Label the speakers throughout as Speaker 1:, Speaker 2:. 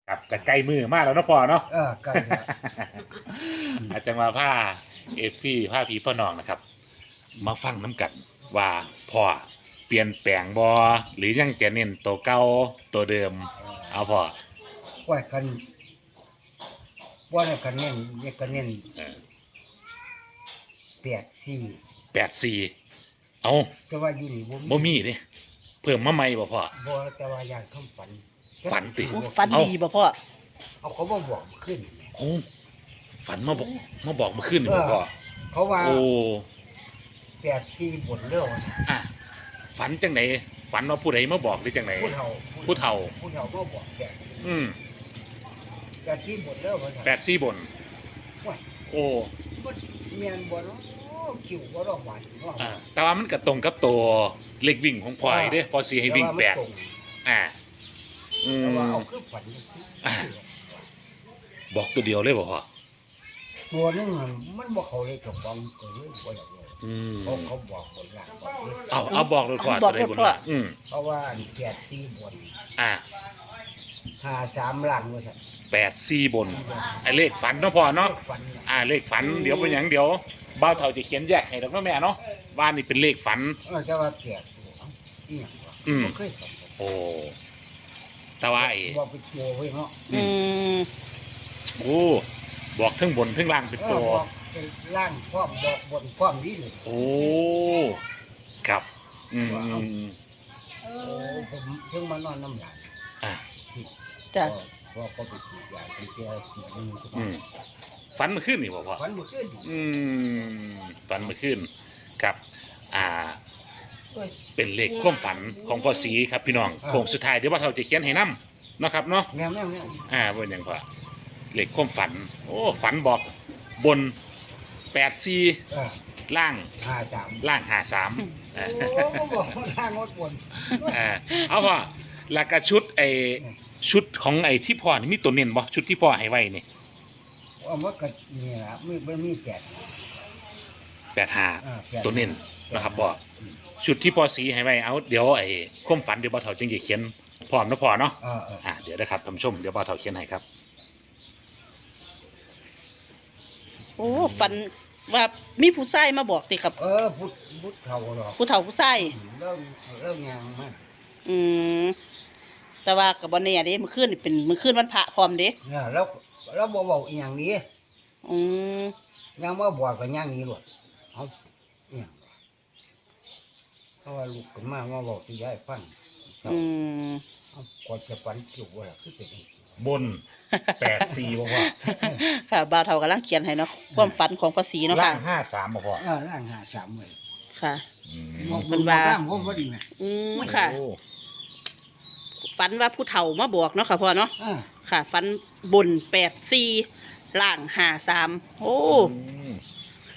Speaker 1: ครับก็ใกล้มือมากแล้วเนาะพ่อเนาะ
Speaker 2: ใกล้แล้ว
Speaker 1: อาจจะมาผ้าเอฟซีผ้าผีพ่อน้องนะครับ มาฟังน้ำกันว่าพ่อเปลี่ยนแปลงบอหรือยังจะเน้นตัวเก่าตัวเดิม เอาพ่อ
Speaker 2: ว่ากันว่าเนี่ยกันเน้นเนี่ยกันเน้น84
Speaker 1: 84เอา
Speaker 2: แต่ว่าอยู่นี่
Speaker 1: บ่มีเด้เพิ่มมาใหม่บ่พ่อ
Speaker 2: บ่แต่ว่าอย่างคำฝัน
Speaker 1: ฝันติ
Speaker 3: โอ้ฝันดีบ่พ่อ
Speaker 2: เอาเขามาบอกขึ้น
Speaker 1: โอ้ฝันมาบอกเมื่อคืนนี่บ่พ่อ
Speaker 2: เขาว่า
Speaker 1: โอ้
Speaker 2: 84บนเรื่องนะ
Speaker 1: อะฝันจังไหนฝันว่าผู้ใดมาบอกหรือจังไหน
Speaker 2: ผู้เฒ่า
Speaker 1: ผู้เฒ่า
Speaker 2: มาบอก
Speaker 1: อืม
Speaker 2: 84บนเรื่องว่า
Speaker 1: 84บน
Speaker 2: ว่า
Speaker 1: โอ้
Speaker 2: มันเมียนบ่เนาะคิวบ่ร้องหวานเนาะ
Speaker 1: แต่ว่ามันก็ตรงกับตัวเลขวิ่งของพลอยเด้พอสีให้วิ่งแปดอ่าอืม
Speaker 2: แต่ว่าเอาคือฝัน
Speaker 1: บอกตัวเดียวเลยบ่พ่อ
Speaker 2: ตัวนึงมันบ่เข้าเลยเจ้าของก็เลยบ่อยากเลย
Speaker 1: อืม
Speaker 2: เขาบอกบนหลังบอกเลย
Speaker 1: เอาบอกเลยพ่อ
Speaker 3: บอก
Speaker 1: ตัวใด
Speaker 3: เลย
Speaker 1: บน
Speaker 3: พ่อ
Speaker 1: ล่างอืม
Speaker 2: เพราะว่า84บน
Speaker 1: อ่า
Speaker 2: 53หลังว่าซั่น
Speaker 1: 84บนไอ้เลขฝันเนาะพ่อเนาะ
Speaker 2: ฝันน่ะ
Speaker 1: เลขฝันเดี๋ยวเป็นหยังเดี๋ยวบ่าวเฒ่าจะเขียนแยกให้ดอกเนาะแม่เนาะว่านี่เป็นเลขฝัน
Speaker 2: แต่ว่าแปลกอยู่เอ้าอีหยังวะ
Speaker 1: อืม
Speaker 2: บ่เคยฝัน
Speaker 1: โอ้แต่ว่าไอ้
Speaker 2: บอกเป็นตัวไว้เนาะ
Speaker 3: อืม
Speaker 1: โอ้บอกทั้งบนทั้งล่างเป็นตัว
Speaker 2: บอกเป็นร่างพร้อมบอกบนพร้อมนี้เลย
Speaker 1: โอ้ครับอืมอืม
Speaker 2: โอ้ผมถึงมานอนน้ำหลาน
Speaker 1: อ่า
Speaker 3: จ้ะ
Speaker 2: พอก็ไปกินยาไปเจอกินนึง
Speaker 1: อืมฝันเมื่อคืนนี่บ่พ่อ
Speaker 2: ฝันเมื่อคืนนี่
Speaker 1: อืมฝันเมื่อคืนครับ อ่า
Speaker 2: เอ้ย
Speaker 1: เป็นเลขความฝันของพ่อศรีครับพี่น้องโค้งสุดท้ายเดี๋ยวว่าเราจะเขียนให้นํเนาะครับเนาะ
Speaker 2: แมวแมวแมว
Speaker 1: เป็นหยังพ่อเลขความฝัน โอ้ฝันบอกบน84ล่าง
Speaker 2: 53
Speaker 1: ล่าง53
Speaker 2: โอ้บอกร่างงดบน
Speaker 1: เอาพ่อแล้วก็ชุดชุดของไอ้ที่พ่อนี่มีตัวเน้นบ่ชุดที่พ่อให้ไว้นี่
Speaker 2: เอามาก็นี่ล่ะไม่มีแปด
Speaker 1: 85ตัวเน้นนะครับพ่อชุดที่พ่อสีให้ไว้เอาเดี๋ยวไอ้ความฝันเดี๋ยวบ่าวเฒ่าจึงจะเขียนพร้อมนะพ่อเนาะ เดี๋ยวนะครับท่านผู้ชมเดี๋ยวบ่าวเฒ่าเขียนให้ครับ
Speaker 3: โอ้ฝันว่ามีผู้ชายมาบอกติครับ
Speaker 2: พุทธเฒ่าหรอก
Speaker 3: ผู้เฒ่าผู้ชาย
Speaker 2: เริ่มยังมา
Speaker 3: อืมแต่ว่าก็บ่แน่เด้มื้อคืนนี่เป็นมื้อคืนวันพระพร้อมเด้
Speaker 2: เนี่ยแล้วบ่เว้าอีหยังนี้
Speaker 3: อืม
Speaker 2: ยังมาบอกกันยังนี้หรอกเอาอีหยังวะเพราะว่าลูกขึ้นมาบอกที่ยายฟัง
Speaker 3: อืม
Speaker 2: เอาก่อนจะฝันคิวว่าล่ะคือเป็นจังซี่
Speaker 1: บน84บ่พ่อ
Speaker 3: ค่ะบ่าวเฒ่ากำลังเขียนให้เนาะความฝันของภาษีเนาะ
Speaker 1: ล่า
Speaker 3: ค่ะ
Speaker 1: ง53บ่พ่อ
Speaker 2: ร่าง53เลย
Speaker 3: ค่ะ
Speaker 1: อืม
Speaker 3: มันว่า
Speaker 2: ร่างผมบ่ดีนะ
Speaker 3: อืมค่ะ
Speaker 1: โอ้
Speaker 3: ฝันว่าผู้เฒ่ามาบอกเนาะค่ะพ่อเนาะ
Speaker 2: อ่า
Speaker 3: ค่ะฝันบน84ล่าง53โอ้
Speaker 1: อืม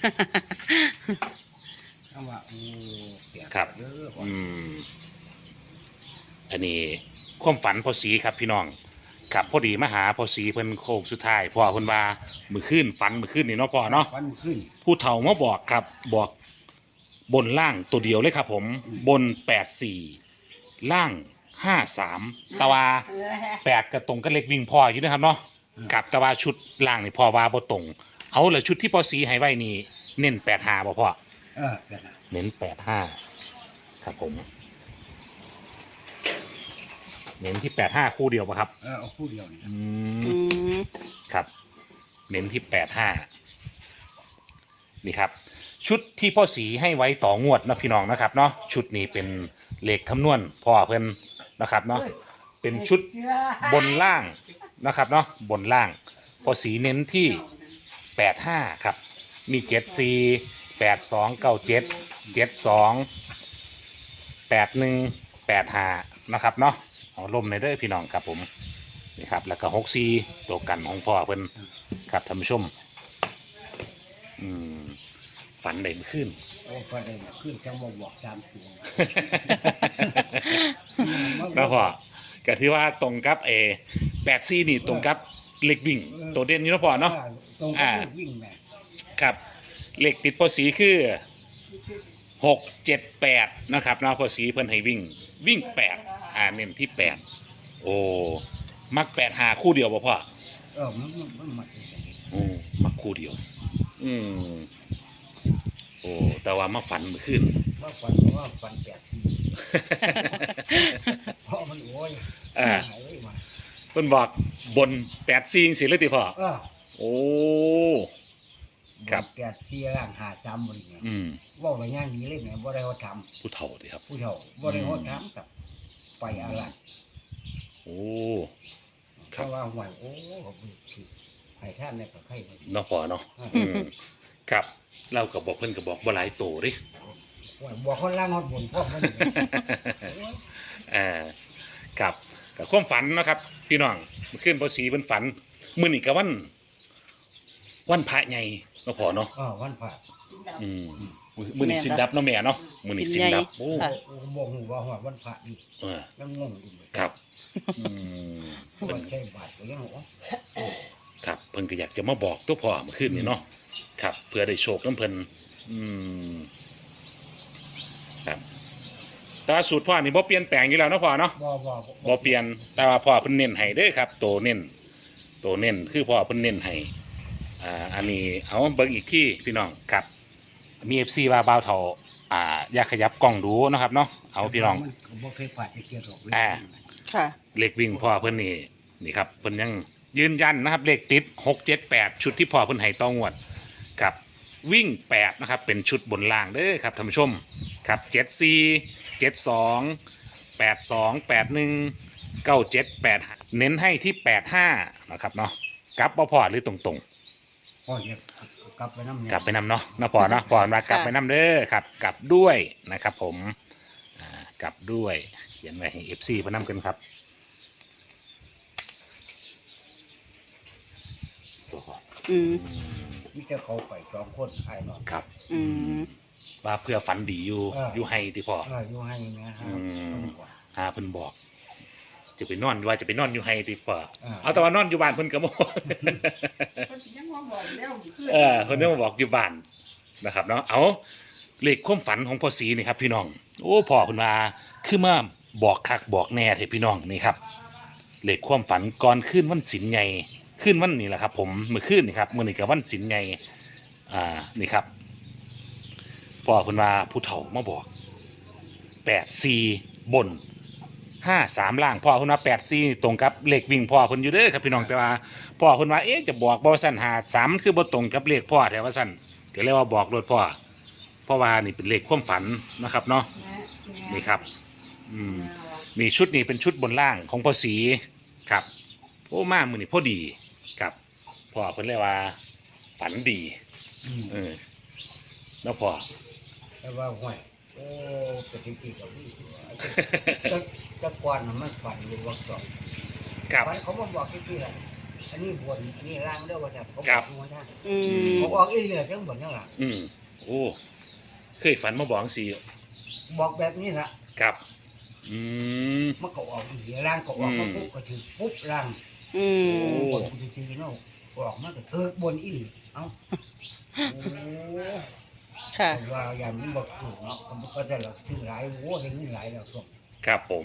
Speaker 2: เอาว่าโอ้เปียก
Speaker 1: ครับ
Speaker 2: เด้อว่ะ
Speaker 1: อืมอันนี้ความฝันพ่อสีครับพี่น้องครับพอดีมาหาพ่อสีเพิ่นโค้งสุดท้ายพ่อเพิ่นว่ามื้อคืนฝันมื้อคืนนี่เนาะพ่อเนาะ
Speaker 2: ฝันขึ้น
Speaker 1: ผู้เฒ่ามาบอกครับบอกบนล่างตัวเดียวเลยครับผมบน84ล่าง53แต่ว่า8ก็ตรงกับเลขวิ่งพ่ออยู่นะครับเนาะกับแต่ว่าชุดล่างนี่พ่อว่าบ่ตรงเอาละชุดที่พ่อสีให้ไว้นี่เน้น85บ่พ่อ
Speaker 2: เปียกนะ
Speaker 1: เน้น85ครับผม เน้นที่85คู่เดียวป่ะครับ
Speaker 2: เอาคู่เดียวนี่
Speaker 1: อื
Speaker 3: อื
Speaker 1: ม
Speaker 3: ม
Speaker 1: ครับ เน้นที่85นี่ครับ ชุดที่พ่อสีให้ไว้ต่องวดนะพี่น้องนะครับเนาะชุดนี้เป็นเลขคำนวณพ่อเพิ่นนะครับเนาะเป็นชุดบนล่างนะครับเนาะบนล่างพ่อสีเน้นที่85ครับมี74 82 97 72 81 85นะครับเนาะเอาลมในเด้อพี่น้องครับผมนี่ครับแล้วก็64ตัวกันของพ่อเพิ่นครับท่านผู้ชมอืมฝันได้เมื่อคืน
Speaker 2: โอ้ฝันได้ขึ้นจังบ่บอกตามตัว
Speaker 1: แล้วพ่อก็ถือว่าตรงกับ84นี่ตรงกับเลขวิ่งตัวเด่นอยู่เนาะพ่อเนาะ
Speaker 2: ตรงกับวิ่งแม่
Speaker 1: ครับเลขติดพ่อสีคือ678นะครับเนาะพ่อสีเพิ่นให้วิ่ง8เน้นที่8โอ้มัก85คู่เดียวบ่พ่อ
Speaker 2: มันมาเป็นอย่างนี้
Speaker 1: มักคู่เดียว อืมโอ้แต่ว่ามาฝันเมื่อคืน
Speaker 2: ว่าฟันแปดสี่เพราะมันโอ้ย
Speaker 1: อ่า
Speaker 2: หายเลยมา
Speaker 1: เพิ่นบอกบน84จังซี่เลยติพ่อโอ้ ครับ
Speaker 2: แปดสี่ร่างหาซ้ำบริเวณ
Speaker 1: อืม
Speaker 2: ว่าไปย่างนี้เลยเนี่ยบ่ได้เขาท
Speaker 1: ผู้เฒ่าติครับ
Speaker 2: ำผู้เฒ่าบ่ได้เขาทำกับไปอะไร
Speaker 1: โอ้ ค
Speaker 2: เพ
Speaker 1: รับ
Speaker 2: ราะว่าห่วยโอ้เขาถือให้ท่านในประเทศ
Speaker 1: เนาะพ่อเนาะอืมครับเราก็บอกเพิ่นก็บอกบ่หลายโตเดิ
Speaker 2: ห่วยบอกคนล่างฮอดบนพวกมันอยู่
Speaker 1: ครับกับความฝันเนาะครับ พี่น้องเมื่อคืนพอสีเพิ่นฝันมื้อนี้ก็วันพระใหญ่เนาะพ่อเนาะ
Speaker 2: วันผ่า
Speaker 1: อืมมื้อนี้สินดับเนาะแม่เนาะมื้อนี้สินดับโอ้
Speaker 3: ค่ะ
Speaker 2: บอกหูว่าหัววันผ่าดี
Speaker 1: เออ
Speaker 2: ยังงงอยู่เลย
Speaker 1: ครับอืม
Speaker 2: วันใช้บาทก็ยังโอ้
Speaker 1: ครับเพิ่นก็อยากจะมาบอกตัวพ่อเมื่อคืนนี้เนาะครับ เพื่อได้โชคนำเพิ่นอืมครับแต่ว่าสูตรพ่อนี่บ่เปลี่ยนแปลงอยู่แล้วเนาะพ่อเนาะ บ่เปลี่ยนแต่ว่าพ่อเพิ่นเน้นให้เด้อครับตัวเน้นคือพ่อเพิ่นเน้นให้อันนี้เอาเบิ่งอีกที่พี่น้องครับมี FC ว่าบ่าวเฒ่าอยากขยับกล้องดูเนาะครับเนาะเอาพี่น้อง
Speaker 2: มันบ่เคยผ่านจะเกี่ยวหรอก
Speaker 3: ค่ะ
Speaker 1: เลขวิ่งพ่อเพิ่นนี่ครับเพิ่นยังยืนยันนะครับเลขติด6 7 8ชุดที่พ่อเพิ่นให้ต่องวดครับวิ่ง8นะครับเป็นชุดบนล่างเด้อครับท่านผู้ชมครับ74 72 82 81 97 85เน้นให้ที่85นะครับเนาะกลับบ่พอหรือตรง
Speaker 2: พ่อจะกลับไปน้ำ
Speaker 1: ๆกลับไปนำเนาะนะพอเนาะพอมากลับไปนำเด้อครับกลับด้วยนะครับผมกลับด้วยเขียนไว้ให้ FC เพิ่นนำกันครับตัวพ่อ
Speaker 3: อืม
Speaker 2: นี่จะเขาไป2คนไอ้นอน
Speaker 1: ครับ
Speaker 3: อืม
Speaker 1: ว่าเพื่อฝันดีอยู่อยู่ให้ที่พ่อ
Speaker 2: อยู่ให้นะฮะ
Speaker 1: หาเพิ่นบอก จะไปนอนว่าจะไปนอนอยู่ให้ดีกว่าเอาแต่ว่านอนอยู่บ้านเพิ่นก็บ่ เพิ่นยังมาบอกอยู่บ้านนะครับเนาะเอาเลขความฝันของพ่อศรีนี่ครับ พี่น้องโอ้พ่อเพิ่นว่าคือมาบอกคักบอกแน่เถอะพี่น้องนี่ครับเลขความฝันก่อนขึ้นวันศีลใหญ่ขึ้นวันนี้แหละครับ ผมเมื่อคืนนี่ครับมื้อนี้ก็วันศีลใหญ่นี่ครับพ่อเพิ่นว่าผู้เฒ่ามาบอก84บน53ล่างพ่อเพิ่นว่า84ตรงกับเลขวิ่งพ่อเพิ่นอยู่เด้อครับพี่น้องแต่ว่าพ่อเพิ่นว่าจะบอกบ่ซั่น53มันคือบ่ตรงกับเลขพ่อแท้ว่าซั่นก็เลยว่าบอกรถพ่อเพราะว่านี่เป็นเลขความฝันนะครับเนาะนี่ครับมีชุดนี้เป็นชุดบนล่างของพ่อศรีครับโอ้มามื้อนี้พอดีครับพ่อเพิ่นเลยว่าฝันดีแล้วพ่อ
Speaker 2: แต่ว่าห่วยโอ้ปฏิกิริยาวิ่งตะกอนมันฝันอยู่ว่าสอง
Speaker 1: ครับ
Speaker 2: ฝันเขาบอกที่ละอันนี้บนอันนี้ล่างเด้อว่าแต่เขาบ
Speaker 1: ครั
Speaker 2: อบ กว่าท่าน
Speaker 3: อืม
Speaker 2: เขาออกอีเลียทั้งบนทั้งหลัง
Speaker 1: โอ้เคยฝันมาบอกสิ
Speaker 2: บอกแบบนี้ละ
Speaker 1: ครับ
Speaker 2: มันก็ออกอีเลียล่างก็ออกมาปุ๊บก็ถือปุ๊บล่าง
Speaker 3: อืม
Speaker 2: บนจริงๆเนาะออกมาก็เธอบนอีหลีเอ้าโอ้
Speaker 3: ค่ะ
Speaker 2: ว่าอย่างนี้บอกถูกเนาะมันก็จะหลักซื้อหลายโว้ได้เงินหลายแล้วส่ง
Speaker 1: ครับผม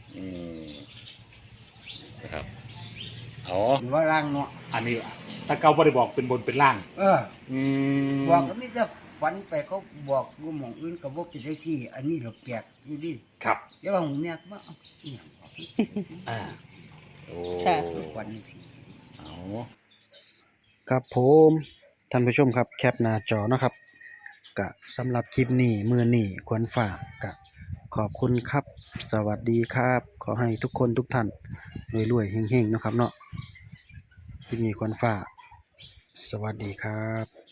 Speaker 1: นะครับอ๋อ
Speaker 2: ว่าล่างเนาะ
Speaker 1: อันนี้ตะเกาบ่ได้บอกเป็นบนเป็นล่าง
Speaker 2: บอกก็ไม่จะฝันไปเขาบอกกูหมองอื่นก็บอกเป็นได้ที่อันนี้เราแปลกอยู่ดิ
Speaker 1: ครับ
Speaker 2: อย่าว่าหมูเนี่ยว่าเอาอีหยังบอก
Speaker 1: โอ้
Speaker 3: ค่ะ
Speaker 2: ฝันนี่สิ
Speaker 1: เอา
Speaker 4: ครับผมท่านผู้ชมครับแคปหน้าจอเนาะครับกะสำหรับคลิปนี้มื้อนี้ควรฝากกะขอบคุณครับ สวัสดีครับ ขอให้ทุกคนทุกท่านรวยๆเฮงๆเนาะครับเนาะคลิปนี้ควรฝากสวัสดีครับ